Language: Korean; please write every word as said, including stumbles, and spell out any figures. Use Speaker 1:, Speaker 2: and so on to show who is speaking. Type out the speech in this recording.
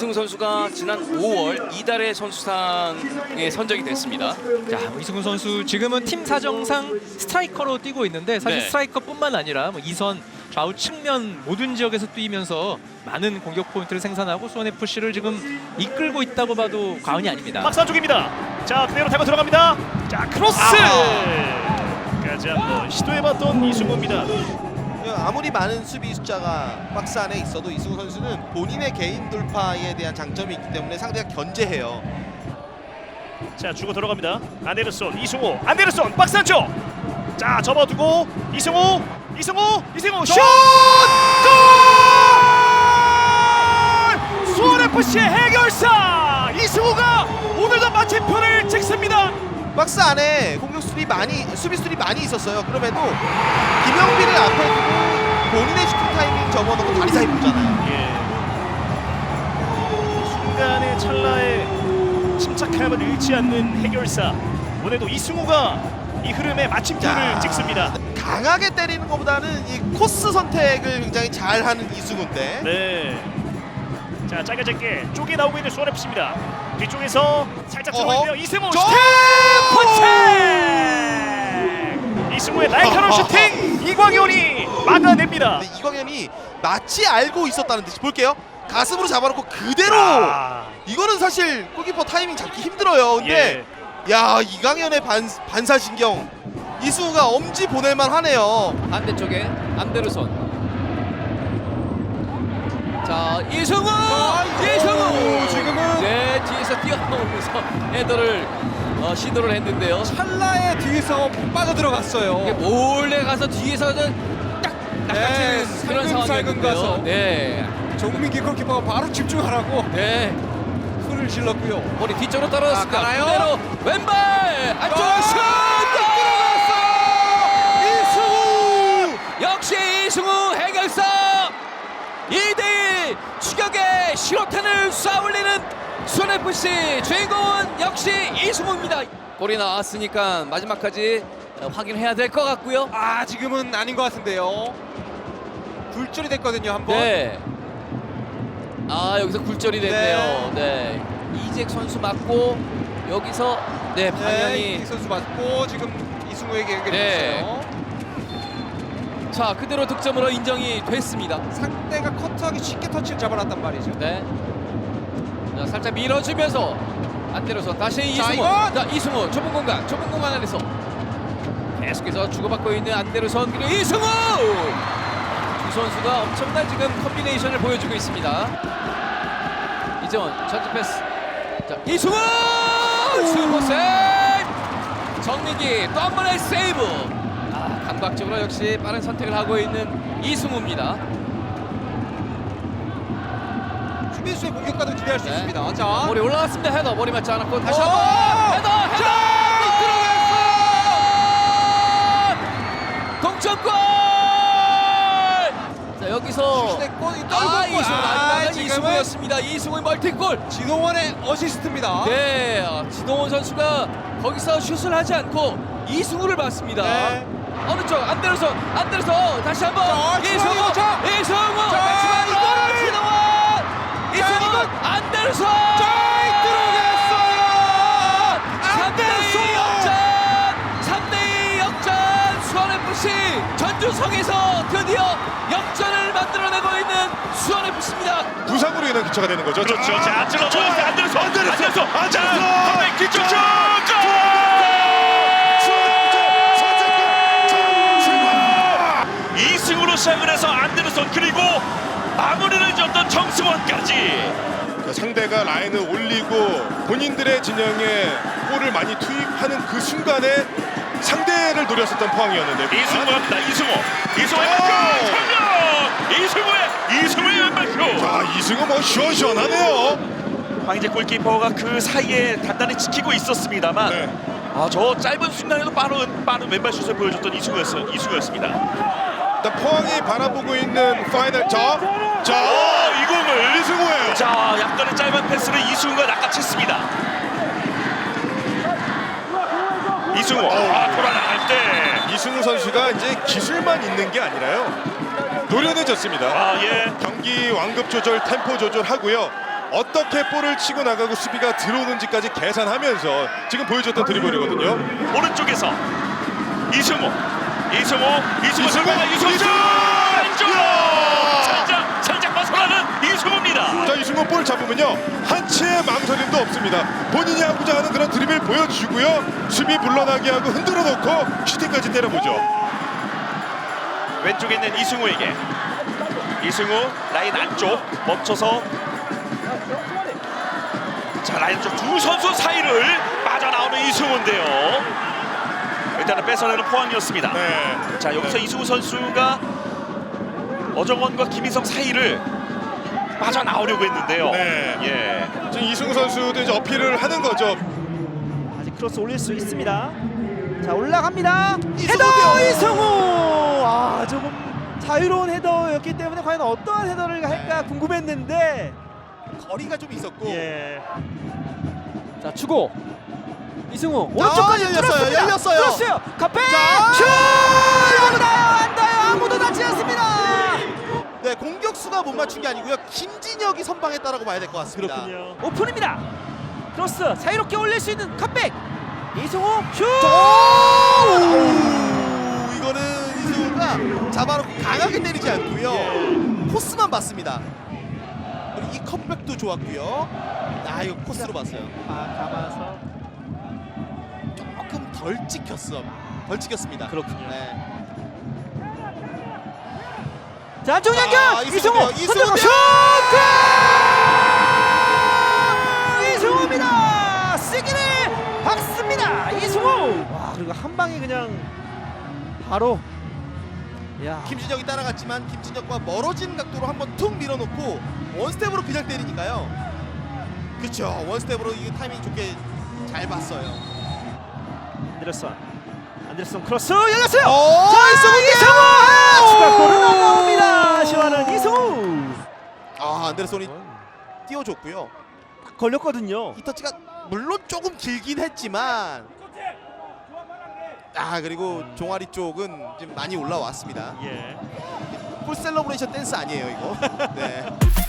Speaker 1: 이승우 선수가 지난 오월 이달의 선수상에 선정이 됐습니다.
Speaker 2: 자, 이승우 선수 지금은 팀 사정상 스트라이커로 뛰고 있는데 사실
Speaker 1: 네.
Speaker 2: 스트라이커뿐만 아니라 뭐 이선, 좌우 측면 모든 지역에서 뛰면서 많은 공격 포인트를 생산하고 수원에프씨를 지금 이끌고 있다고 봐도 과언이 아닙니다.
Speaker 3: 박스 안쪽입니다. 자, 그대로 타고 들어갑니다. 자, 크로스까지 한번 시도해봤던 이승우입니다.
Speaker 4: 아무리 많은 수비 숫자가 박스 안에 있어도 이승우 선수는 본인의 개인 돌파에 대한 장점이 있기 때문에 상대가 견제해요.
Speaker 3: 자, 주고 들어갑니다. 안데르손, 이승우, 안데르손 박스 안쪽. 자, 접어두고 이승우, 이승우, 이승우 슛! 골! 수원에프씨의 해결사 이승우가 오늘도 마침표를 찍습니다.
Speaker 4: 박스 안에 공격수들이 많이 수비수들이 많이 있었어요. 그럼에도 김영빈을 앞에 두고 본인의 슈팅 타이밍 접어놓고 다리 사이 보잖아요.
Speaker 3: 예. 순간의 찰나에 침착함을 잃지 않는 해결사. 오늘도 이승우가 이 흐름에 마침표를
Speaker 4: 자,
Speaker 3: 찍습니다.
Speaker 4: 강하게 때리는 것보다는 이 코스 선택을 굉장히 잘하는 이승우인데.
Speaker 3: 네. 자, 짧게 짧게 쪼개 나오고 있는 수원에프씨입니다. 뒤쪽에서 살짝
Speaker 4: 어허.
Speaker 3: 들어가는데요. 이승우
Speaker 4: 저-
Speaker 3: 슈팅! 포책! 이승우의 날카로운
Speaker 4: 어허.
Speaker 3: 슈팅! 이광현이 막아냅니다.
Speaker 4: 근데 이광현이 마치 알고 있었다는 듯이 볼게요. 가슴으로 잡아놓고 그대로.
Speaker 3: 아,
Speaker 4: 이거는 사실 골키퍼 타이밍 잡기 힘들어요. 근데
Speaker 3: 예.
Speaker 4: 야, 이광현의 반, 반사신경 이승우가 엄지 보낼만 하네요.
Speaker 1: 반대쪽에 안데르손. 자, 이승우! 이승우!
Speaker 2: 지금은
Speaker 1: 네, 뒤에서 뛰어나오면서 헤더를 어, 시도를 했는데요.
Speaker 2: 찰나에 뒤에서 빠져 들어갔어요.
Speaker 1: 이게 몰래 가서 뒤에서는 딱
Speaker 2: 네,
Speaker 1: 낚아채는 그런
Speaker 2: 살금살금
Speaker 1: 상황이었는데요.
Speaker 2: 가서.
Speaker 1: 네,
Speaker 2: 정민기 골키퍼가 바로 집중하라고
Speaker 1: 네.
Speaker 2: 손을 질렀고요.
Speaker 1: 머리 뒤쪽으로 떨어졌습니다.
Speaker 2: 아, 가나요?
Speaker 1: 그대로 왼발 안쪽으로
Speaker 2: 아,
Speaker 1: 슛!
Speaker 2: 이승우!
Speaker 1: 역시 이승우 해결사 이 대 일 추격의 실로탄을 쏴올리는 수원에프씨 주인공은 역시 이승우입니다. 골이 나왔으니까 마지막까지 확인해야 될 것 같고요.
Speaker 2: 아, 지금은 아닌 것 같은데요. 굴절이 됐거든요, 한 번.
Speaker 1: 네. 아, 여기서 굴절이 됐네요. 네. 이잭 선수 맞고 여기서 네,
Speaker 2: 네,
Speaker 1: 방향이
Speaker 2: 이 선수 맞고 지금 이승우에게 연결이
Speaker 1: 네.
Speaker 2: 됐어요.
Speaker 1: 자, 그대로 득점으로 인정이 됐습니다.
Speaker 2: 상대가 커트하기 쉽게 터치를 잡아놨단 말이죠.
Speaker 1: 네. 자, 살짝 밀어주면서 안때려서 다시 이승우.
Speaker 2: 이건!
Speaker 1: 자, 이승우 좁은 공간, 좁은 공간 안에서 계속해서 주고받고 있는 안데르손 그리고 이승우. 두 선수가 엄청난 지금 콤비네이션을 보여주고 있습니다. 이재원 전진 패스. 자, 이승우 슈퍼 세이브. 정민기 또 한 번의 세이브. 아, 감각적으로 역시 빠른 선택을 하고 있는 이승우입니다.
Speaker 2: 수비수의 공격과도 기대할 수
Speaker 1: 네.
Speaker 2: 있습니다. 자,
Speaker 1: 머리 올라왔습니다. 헤더 머리 맞지 않았고 다시
Speaker 2: 오!
Speaker 1: 한번 헤더 헤더
Speaker 2: 자!
Speaker 1: 들어갔어. 동점골. 자, 여기서
Speaker 2: 슛했고 이
Speaker 1: 아,
Speaker 2: 떨고
Speaker 1: 이승우
Speaker 2: 아,
Speaker 1: 마지막은
Speaker 2: 지금은
Speaker 1: 이승우였습니다. 이승우의 멀티골.
Speaker 2: 진홍원의 어시스트입니다.
Speaker 1: 네, 아, 진동원 선수가 거기서 슛을 하지 않고 이승우를 봤습니다.
Speaker 2: 네.
Speaker 1: 어느 쪽? 안데르손, 안데르손 다시 한번
Speaker 2: 자,
Speaker 1: 이승우,
Speaker 2: 중앙이죠. 자.
Speaker 1: 이승우,
Speaker 2: 자,
Speaker 1: 마지막으로
Speaker 2: 이거를-
Speaker 1: 진동원, 이승우,
Speaker 2: 이건-
Speaker 1: 안데르손.
Speaker 2: 들어갔어요.
Speaker 1: 삼 대 이 역전! 삼 대 이 역전! 수원에프씨 전주성에서 드디어 역전을 만들어내고 있는 수원에프씨입니다.
Speaker 5: 부상으로 인한 교체가 되는 거죠.
Speaker 3: 그렇죠. 자, 안질러
Speaker 5: 좋아요.
Speaker 3: 넣었어요. 안데르손,
Speaker 5: 안데르손,
Speaker 3: 안데르손,
Speaker 5: 안데르손.
Speaker 3: 자, 컵백 뒤쪽 슛! 이승우로 시작을 해서 안데르손 그리고 마무리를 줬던 정승원까지.
Speaker 5: 그 상대가 라인을 올리고 본인들의 진영에 골을 많이 투입하는 그 순간에 상대를 노렸었던 포항이었는데
Speaker 3: 이승우 갑니다. 이승우, 이승우의
Speaker 5: 오!
Speaker 3: 왼발 슛! 이승우의 이승우의 왼발 슛!
Speaker 5: 자, 이승우 뭐 시원시원하네요.
Speaker 3: 황희재 골키퍼가 그 사이에 단단히 지키고 있었습니다만
Speaker 5: 네.
Speaker 3: 아, 저 짧은 순간에도 빠른 빠른 왼발 슛을 보여줬던 이승우였어, 이승우였습니다.
Speaker 5: 일단 포항이 바라보고 있는 파이널 자, 자
Speaker 3: 어, 이 공을
Speaker 5: 이승우예요.
Speaker 3: 자, 약간의 짧은 패스를 이승우가 낚아챘습니다. 이승우, 아, 돌아나갈 때,
Speaker 5: 이승우 선수가 이제 기술만 있는 게 아니라요. 노련해졌습니다.
Speaker 3: 아, 예,
Speaker 5: 경기 완급 조절, 템포 조절하고요. 어떻게 볼을 치고 나가고 수비가 들어오는지까지 계산하면서 지금 보여줬던 드리블이거든요.
Speaker 3: 오른쪽에서 이승우, 이승우, 이승우,
Speaker 5: 이승우,
Speaker 3: 이승우,
Speaker 5: 이승우!
Speaker 3: 왼쪽으로 살짝 살짝 벗어나는 이승우입니다.
Speaker 5: 자, 이승우 볼 잡으면요 한치의 망설임도 없습니다. 본인이 하고자 하는 그런 드리블 보여주고요, 수비 물러나게 하고 흔들어 놓고 슈팅까지 때려보죠.
Speaker 3: 왼쪽에 있는 이승우에게 이승우 라인 안쪽 멈춰서 자 라인 안쪽 두 선수 사이를 빠져나오는 이승우인데요. 일단은 뺏어내는 포항이었습니다.
Speaker 5: 네.
Speaker 3: 자 여기서
Speaker 5: 네.
Speaker 3: 이승우 선수가 어정원과 김희성 사이를 빠져나오려고 했는데요.
Speaker 5: 네.
Speaker 3: 예.
Speaker 5: 지금 이승우 선수도 이제 어필을 하는 거죠.
Speaker 6: 아직 크로스 올릴 수 있습니다. 자 올라갑니다.
Speaker 4: 이승우요.
Speaker 6: 헤더 이승우. 아 조금 자유로운 헤더였기 때문에 과연 어떠한 헤더를 할까 궁금했는데.
Speaker 4: 거리가 좀 있었고.
Speaker 6: 예.
Speaker 1: 자 주고 이승우
Speaker 4: 자,
Speaker 1: 오른쪽까지
Speaker 4: 열렸어요,
Speaker 1: 뚫었습니다.
Speaker 4: 열렸어요.
Speaker 1: 뚫었어요. 카페
Speaker 4: 자.
Speaker 1: 슛! 안 닿아요, 안 닿아요. 아무도 닿지 않습니다.
Speaker 4: 네, 공격수가 못 맞춘 게 아니고요. 김진혁이 선방했다라고 봐야 될 것 같습니다.
Speaker 6: 그렇군요.
Speaker 1: 오픈입니다. 크로스 자유롭게 올릴 수 있는 컵백. 이승우 슛!
Speaker 4: 오! 이거는 이승우가 잡아놓고 강하게 때리지 않고요. 코스만 봤습니다. 그리고 이 컵백도 좋았고요. 아, 이거 코스로 봤어요.
Speaker 6: 아 감아서.
Speaker 4: 조금 덜 찍혔어. 덜 찍혔습니다.
Speaker 6: 그렇군요.
Speaker 4: 네.
Speaker 1: 자 안쪽
Speaker 4: 자,
Speaker 1: 연결.
Speaker 4: 이승우요,
Speaker 1: 이승우
Speaker 4: 이승우요.
Speaker 1: 흔들고 슛! 골! 이승우입니다. 시기를 박습니다. 이승우.
Speaker 6: 와 그리고 한 방에 그냥 바로. 야.
Speaker 4: 김진혁이 따라갔지만 김진혁과 멀어진 각도로 한번 툭 밀어놓고 원스텝으로 그냥 때리니까요. 그렇죠. 원스텝으로 이 타이밍 좋게 잘 봤어요.
Speaker 6: 안데르슨. 안데르슨 크로스 열렸어요.
Speaker 4: 오,
Speaker 6: 자
Speaker 4: 이승우인데요!
Speaker 6: 이승우 추가골은 안 나옵니다. 시원한 이승우.
Speaker 4: 아, 안데르손이 띄워줬고요.
Speaker 6: 딱 걸렸거든요.
Speaker 4: 이 터치가 물론 조금 길긴 했지만, 아 그리고 종아리 쪽은 지금 많이 올라왔습니다.
Speaker 6: 예.
Speaker 4: 풀 셀러브레이션 댄스 아니에요 이거. 네.